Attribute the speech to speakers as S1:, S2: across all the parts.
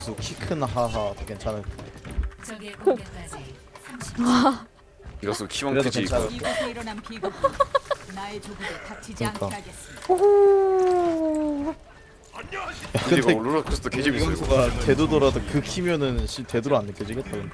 S1: 키큰 하하 괜찮을.
S2: 적의 공격까지 30초.
S3: 이것도 키만
S1: 그래도
S3: 크지.
S1: 괜찮아.
S2: 이곳에 일어난 비극 나의 조국을 다치지
S1: 그러니까.
S2: 않게 하겠습니다.
S3: 근데 이거 롤러코스터 개재밌어 이거.
S1: 이경수가 되도더라도 그 키면은 되도록 안 느껴지겠다 근데.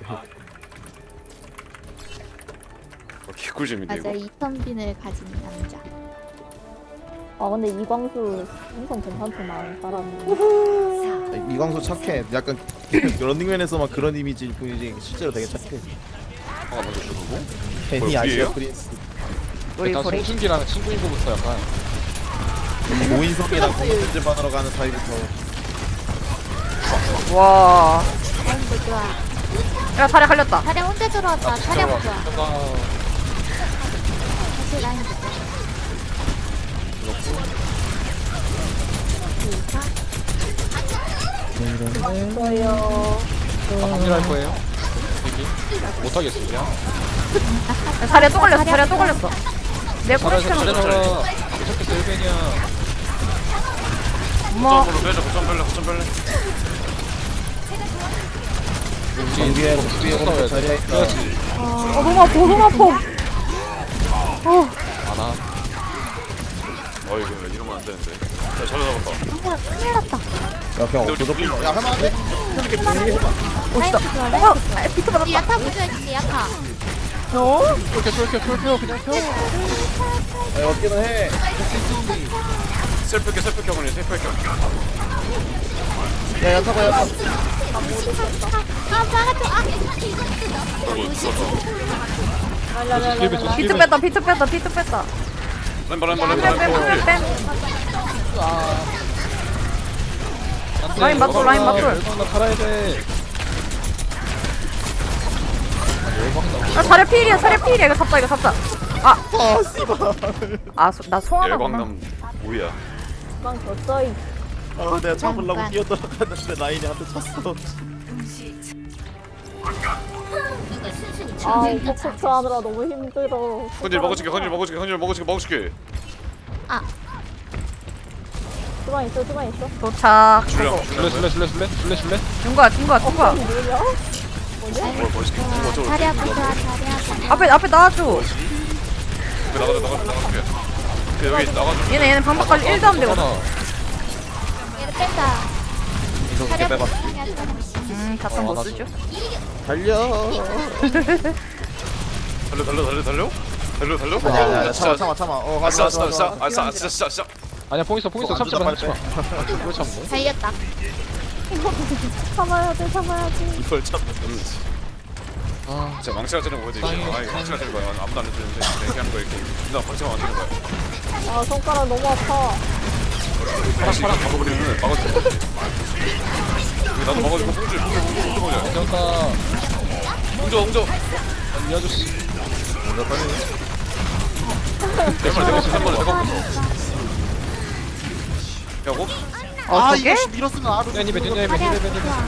S3: 개꿀잼인데
S4: 맞아,
S3: 이거.
S4: 이선빈을 가진 남자.
S5: 아 근데 이광수 엄청 괜찮구만 사람이.
S1: 이광수 착해. 약간 런닝맨에서만 그런 이미지일 뿐이지 실제로 되게 착해.
S3: 하나 먼저 주고.
S1: 괜히
S3: 뭐야,
S1: 아시아
S3: 위에요?
S1: 프린스.
S6: 일단 송중기랑 친구인 거부터 약간
S1: 오인성이랑 공연제반으로 가는 사이부터.
S7: 와.
S4: 라인도 좋아.
S7: 야, 다리 갈렸다.
S4: 다리 혼자 들어왔다. 다리 아파 좋아. 다시 라인 좋아.
S5: 저요.
S6: 확실할 거예요. 못하겠어 그냥.
S7: 야, 다리에 또 걸렸어. 다리에 또 걸렸어. 내 꼬리
S6: 잘해서
S7: 시켜놓고.
S6: 잘해서 계속해서 1벤이야.
S7: 어머.
S3: 거점으로 빼자. 거점 뺄래.
S1: 정비에 오른쪽 자리에 있다.
S6: 그렇지.
S7: 너무 아파. 너무 아파.
S6: 안아.
S3: 이거 이러면 안 되는데. 야, 잘 잡았다.
S4: 큰일 났다.
S1: 야 그냥 없어져. 야 하면 안 돼.
S4: 라인 좋아. 라인 좋아.
S7: 비트 받았다.
S4: 야타 부셔야지 야타.
S6: 켜 그냥 켜.
S1: 야 어떻게든 해.
S3: 셀프 경험이 셀프 경.
S1: 야 타봐 야.
S4: 아 막아줘. 아
S7: 비트 뺐다. 비트 뺐다. 비트 뺐다.
S3: 램바.
S7: 뺨. 라인 맞돌, 라인 맞돌.
S6: 나 살아야 돼.
S7: 야, 사례 필이야. 사례 필이야. 이거 잡자. 이거 잡자.
S1: 아 씨발.
S7: 나 송하나구나.
S3: 열광남 뭐야?
S5: 이광 졌어 이.
S1: 아 내가 잡으려고 뛰어들어갔는데 라인이 한 대 쳤어.
S5: 아 포커스 하느라 너무 힘들어.
S3: 헌질 먹어줄게.
S4: 아
S5: 주방 있어 주방 있어.
S7: 도착.
S3: 줄래.
S6: 줄래.
S7: 준 거야.
S5: 뭐냐?
S3: 뭘 멋있게.
S4: 다리 아파 좋아. 다리 아파.
S7: 앞에 나와줘.
S3: 나가줄게. 여기 나가줘.
S7: 얘네 방박 관리 1도 안 되거든.
S4: 얘를 뺀다.
S1: 이거
S4: 다리
S1: 어떻게
S4: 아파.
S1: 빼봐.
S7: 자탄 못 쓰죠?
S1: 달려.
S3: 달려.
S1: 아니야 참아. 어 가자.
S3: 아싸.
S6: 아니야 뽕 있어
S1: 안
S6: 참지
S1: 주다,
S6: 마.
S1: 빨리
S6: 그걸 참고.
S4: 달렸다.
S5: 참아야지.
S1: 이걸 참는
S6: 아
S3: 진짜 망치가 찌는 거지.
S6: 땅이
S3: 이거 망치가 찌는 거야. 아무도 안 해주는데 이렇게 하는 거야 이렇게. 나 망치가 안 찌는 거야.
S5: 아 손가락 너무 아파.
S3: 파랑 막아버리면 막아줘. 나도 막아주고 홍주 보자.
S6: 괜찮다.
S3: 홍주.
S6: 이 아저씨.
S3: 내가 야고?
S1: 아
S7: 어떻게?
S1: 이거 밀었으면 아루.
S6: 벤이
S4: 다리 아파 좋아.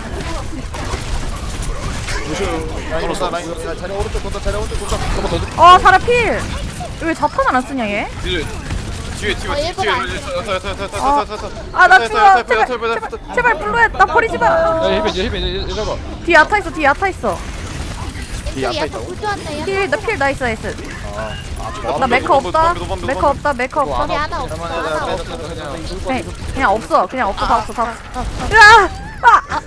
S1: 라인 자리 오른쪽 돈다.
S7: 어, 사례 필. 왜 자탄을 안 쓰냐 얘?
S3: 뒤에
S4: 일부러 안
S7: 아, 나 죽어. 제발 블루해. 나 버리지 마.
S6: 야 힐벤 잡아.
S7: 뒤에 야타 있어. 뒤에 야타 있어.
S1: 뒤에 앞에
S4: 야타
S1: 있다고?
S4: 부조한다.
S7: 필 나이스 나이스.
S3: 아,
S7: 나 메커 없다. 메커 없다. 메커 없다.
S4: 우리 하나 없어. 하나 없어.
S6: 그냥
S7: 그냥 없어. 그냥 없어. 다 없어. 다 없어. 으아! 아!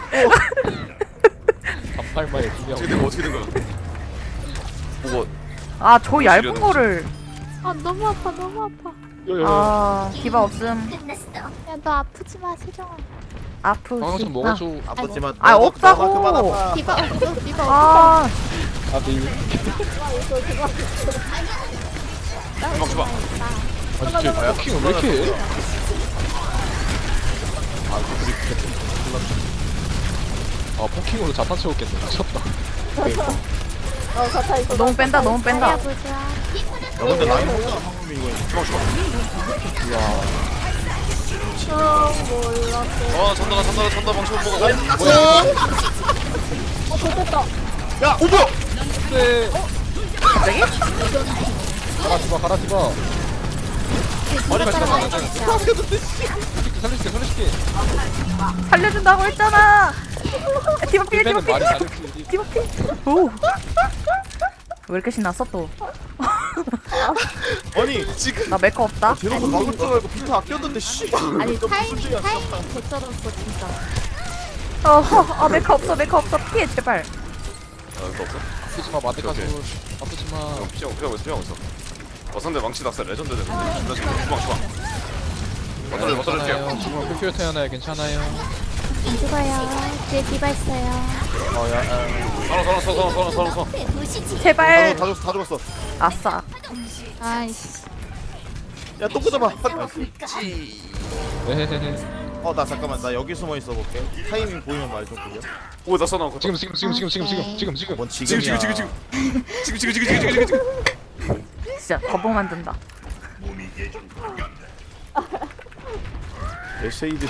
S6: 반팔마에 두명.
S3: 어떻게 된 거야? 뭐가
S7: 아, 저 얇은 거를.
S4: 아 너무 아파. 너무 아파.
S7: 아, 디바 없음.
S4: 야 너 아프지 마 세정아.
S7: 아프지.
S6: 방금 먹어줘.
S1: 아팠지만.
S7: 아, 없다고.
S1: 그만 아파.
S4: 디바 없어. 디바 없어.
S7: 아,
S3: 금방 줘봐.
S6: 아 진짜 포킹을 왜 이렇게 해? 아 포킹으로 자탄 채웠겠네. 미쳤다.
S5: 가차 있어.
S7: 너무 뺀다. 너무
S4: 다리
S7: 뺀다.
S4: 아파 좋아.
S1: 야 근데 라인 혼자 상황이 이거.
S3: 아 잔다 방송 먹어.
S5: 좋겠다.
S1: 야 오버.
S6: 네.
S7: 갑자기?
S6: 갈아지마.
S4: 뒤로 따라가야 돼.
S6: 살려줄게.
S7: 살려준다고 했잖아. 디바 피해, 디바
S6: 힐벤은
S7: 피해,
S6: 말이 다르지.
S7: 디바 피해. 오. 왜 이렇게 신났어 또?
S1: 아니 지금
S7: 나 메커 없다.
S1: 대놓고 막을 줄 알고 비트 아꼈는데 씨.
S4: 아니 타이밍 개쩔었어 진짜.
S7: 메커 없어, 메커 없어. 피해 제발.
S3: 아 이거 없어?
S6: 아프지마 마데카도
S3: 오케이.
S6: 아프지마.
S3: 형 피하고 있어. 상대 망치 낙사 레전드네. 나 지금 주방. 맞춰줄게요.
S6: 지금 풀피어 태어나요. 괜찮아요.
S4: 안 죽어요. 뒤에 디바 있어요.
S3: 서로.
S7: 제발.
S1: 다 죽었어.
S7: 아싸.
S4: 아이씨.
S1: 야 똥 꽂아봐.
S6: 네네네.
S1: 나 잠깐만 나 여기 숨어 있어 볼게. 타이밍 보이면 말 좀 그려.
S3: 오나 써놔.
S6: 지금.
S1: 뭔 지금이야.
S3: 지금.
S7: 진짜 거북 만든다.
S1: 내 쉐이드.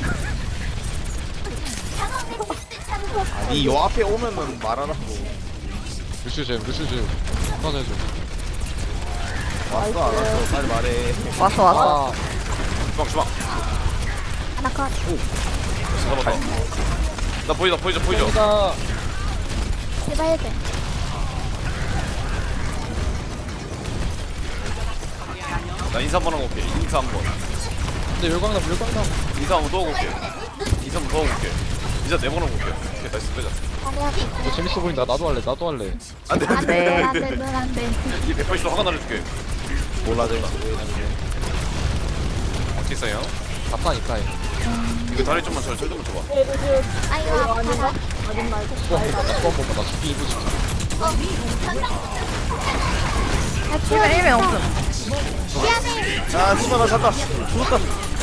S1: 아니 요 앞에 오면은 말하라고.
S6: 루슈즈. 꺼내줘.
S1: 왔어 안 왔어 빨리 말해.
S7: 왔어.
S3: 주방.
S4: 하나 컷.
S3: 잡았다. 나 보이죠.
S6: 나
S4: 디바 해야 돼.
S3: 나 인사 한번 하고 올게. 인사 한번.
S6: 근데 열광남.
S3: 인사 한번 더 하고 올게. 인사 한번 더 하고 올게. 인사 4번 하고 올게. 오케이 나이스 빼자.
S6: 너 재밌어 보인다. 나도 할래.
S3: 안돼.
S7: 네.
S4: 안돼.
S3: 이 180도 화가 날려줄게.
S1: 몰라 내가.
S3: 어떻게 써요?
S6: 아파니까.
S3: 이거 다리 좀만 절 좀 줘봐.
S4: 아이고 아파.
S5: 아닌 말고.
S6: 수원 보면 나 죽기 일부 직전.
S7: 힐벤 없음.
S4: 미안해.
S1: 아 씨발 나 잠깐 죽었다.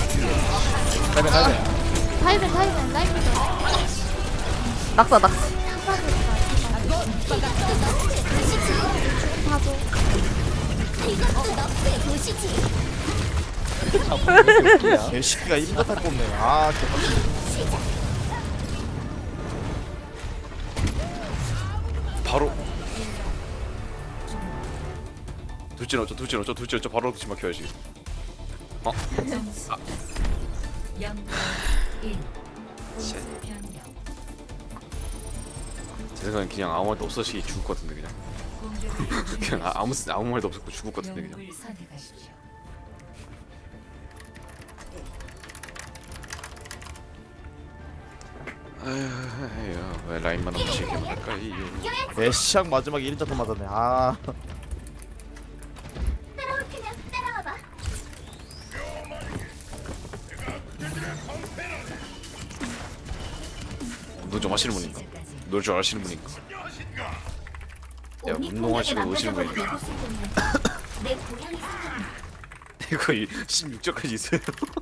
S4: 다이벤 라이브.
S7: 낙사.
S4: 봐줘.
S1: 개새끼가 힘들다 꼽네. 아 개빡치.
S3: 바로. 둘째 넣죠. 바로 그치 막혀야지.
S2: 점수 0대 1. 변경.
S3: 제 생각엔 그냥 아무 말도 없으시 죽을 것 같은데 그냥.
S2: 공격을
S3: 그냥 아무 말도 없었고 죽을 것 같은데 그냥.
S2: 영웅을 선택하십시오.
S3: 아휴, 왜 라인만 없이 이렇게 할까 이.
S1: 애시앙 마지막에 1자 맞았네. 아
S3: 운동 좀 하시는 분인가? 놀 줄 아시는 분인가? 야 운동하시고 오시는 분인가? 이거 16절까지 있어요.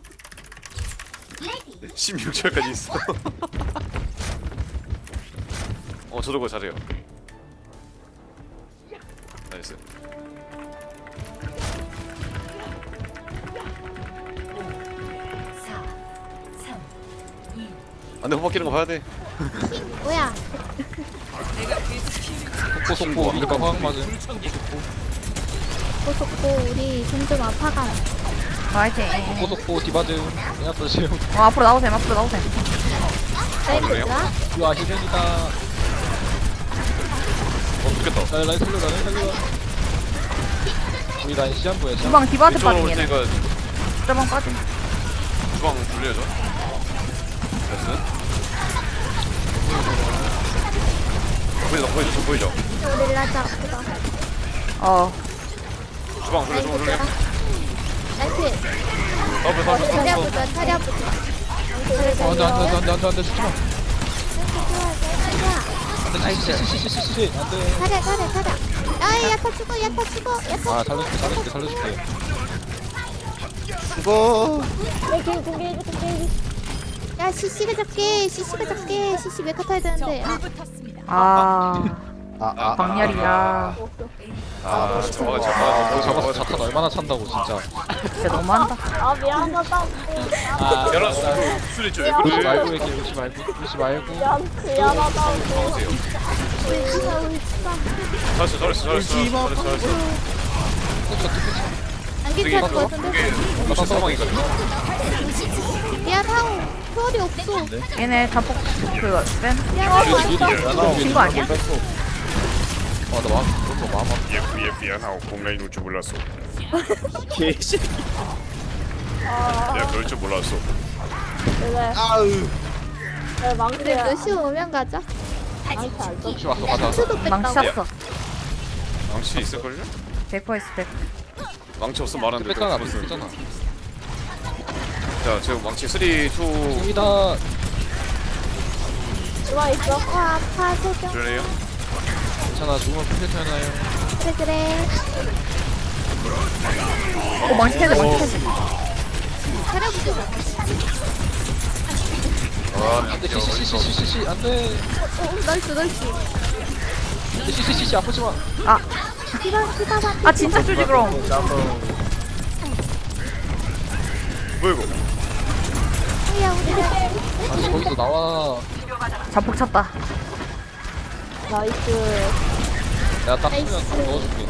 S3: 16절까지 있어. 저도 그거 잘해요. 나이스.
S2: 4, 3, 2.
S3: 안돼 호박 끼는 거 봐야 돼.
S4: 뭐야?
S6: 속보 이거 화학 맞음.
S4: 고속고 우리 점점 아파가.
S7: 화이팅.
S6: 속보 디바드. 그냥 또 지금.
S7: 앞으로 나오셈.
S4: 라이브가?
S6: 와 힐벤이다.
S3: 죽겠다.
S6: 라인 살려. 우리 라인 시한부야.
S7: 주방 디바한테
S3: 이쪽으로
S7: 빠진
S3: 올
S7: 얘는.
S3: 테니까
S7: 주방 빠진.
S3: 주방 돌려줘. 됐어? 보이죠?
S4: 우리 라자 아프다.
S3: 주방 돌려.
S4: 나이스.
S3: 더블.
S4: 다리 아프다. 다리 아프다.
S6: 안돼 죽지마.
S7: 나이스.
S6: 안돼.
S4: 가자. 아이 야타 죽어.
S6: 아 살려줄게.
S1: 죽어.
S5: 공개해줘.
S4: 야 CC가 잡게. CC 메카 타야 되는데.
S7: 광렬이야.
S6: 잡았어. 자탄 얼마나 찬다고 진짜.
S7: 진짜 너무한다.
S5: 아 미안하다.
S3: 열한 술 있죠. 왜
S6: 루시
S3: 그래?
S6: 말고 얘기해. 루시 말고.
S5: 미안하다.
S3: 나오세요.
S4: 울지마.
S3: 잘했어.
S6: 저 뚜껑
S4: 안 괜찮을 것 같은데?
S3: 무슨 상황이거든.
S4: 미안하오. 초월이 없어.
S7: 얘네 자폭 그 뺀.
S4: 미안하오.
S7: 진거 아니야?
S6: 아나 마음
S3: 미안하고 공간이 놀 줄 몰랐어.
S1: 개씨.
S3: 내가 그럴 줄 몰랐어.
S5: 그래.
S1: 아으.
S5: 왜
S4: 우리
S5: 망치야?
S4: 루시 오면 가자.
S5: 망치 안 써.
S6: 혹시 왔어 가자
S4: 수도
S7: 망치
S4: 뺐다고.
S7: 샀어.
S3: 망치 있을걸요?
S7: 100% 있어 100%.
S3: 망치 없으면 말하는데
S6: 뺐잖아
S3: 무슨-
S6: 뺐잖아
S3: 자 지금 망치 3, 2
S6: 여기다
S5: 누가 있어?
S4: 아파 세정.
S3: 그래요?
S6: 괜찮아 죽으면 괜찮아요
S4: 그래.
S7: 망치 해야 돼 망치 해야 돼.
S4: 차려보자.
S6: 안돼 시시시시시시 안돼
S4: 나이스.
S6: 시시시시 아프지마
S4: 피바.
S7: 아 진짜 쪼지 그럼.
S3: 뭐야 이거?
S4: 야 우리
S6: 아니 거기서 나와
S7: 자폭 찼다.
S5: 나이스.
S6: 내가 딱 쓰면
S4: 나이스.
S6: 넣어줄게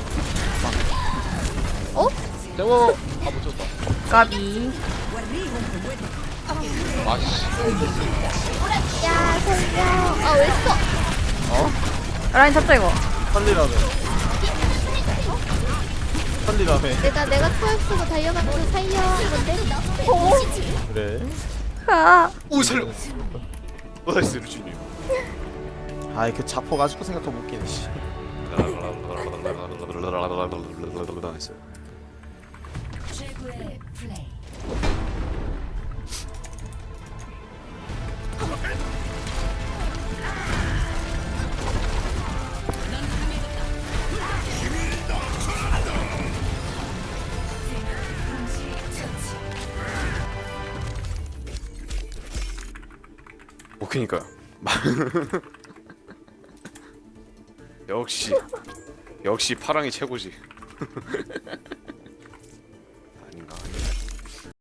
S4: 어?
S6: 대워 아못 쳤다
S7: 까비.
S6: 아씨
S4: 야 살려. 아 왜 써?
S7: 라인 잡자 이거.
S1: 살리라며. 살리라며.
S4: 내가 초월 쓰고 달려가면서 살려 한 건데.
S1: 그래.
S7: 아.
S3: 오 살려. 나이스 루시님.
S1: 아이 그 자포 가지고 생각하면 웃기네. 씨.
S3: 나이스.
S2: 최고의 플레이.
S3: 그니까요. 역시 파랑이 최고지.